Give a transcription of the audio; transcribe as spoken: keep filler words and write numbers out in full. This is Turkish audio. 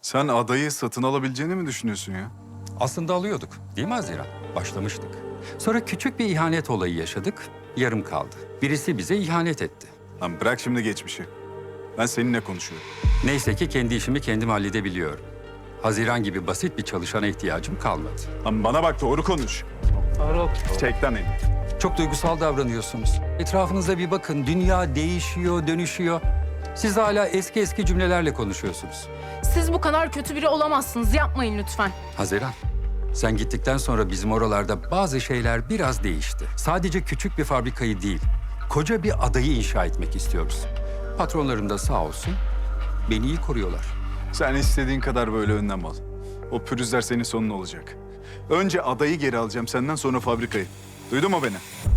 Sen adayı satın alabileceğini mi düşünüyorsun ya? Aslında alıyorduk, değil mi Haziran? Başlamıştık. Sonra küçük bir ihanet olayı yaşadık, yarım kaldı. Birisi bize ihanet etti. Lan bırak şimdi geçmişi. Ben seninle konuşuyorum. Neyse ki kendi işimi kendim halledebiliyorum. Haziran gibi basit bir çalışana ihtiyacım kalmadı. Lan bana bak, doğru konuş. Faruk. Çek lan elini. Çok duygusal davranıyorsunuz. Etrafınıza bir bakın, dünya değişiyor, dönüşüyor. Siz hala eski eski cümlelerle konuşuyorsunuz. Siz bu kadar kötü biri olamazsınız. Yapmayın lütfen. Haziran, sen gittikten sonra bizim oralarda bazı şeyler biraz değişti. Sadece küçük bir fabrikayı değil, koca bir adayı inşa etmek istiyoruz. Patronlarım da sağ olsun, beni iyi koruyorlar. Sen istediğin kadar böyle önlem al. O pürüzler senin sonun olacak. Önce adayı geri alacağım senden, sonra fabrikayı. Duydun mu beni?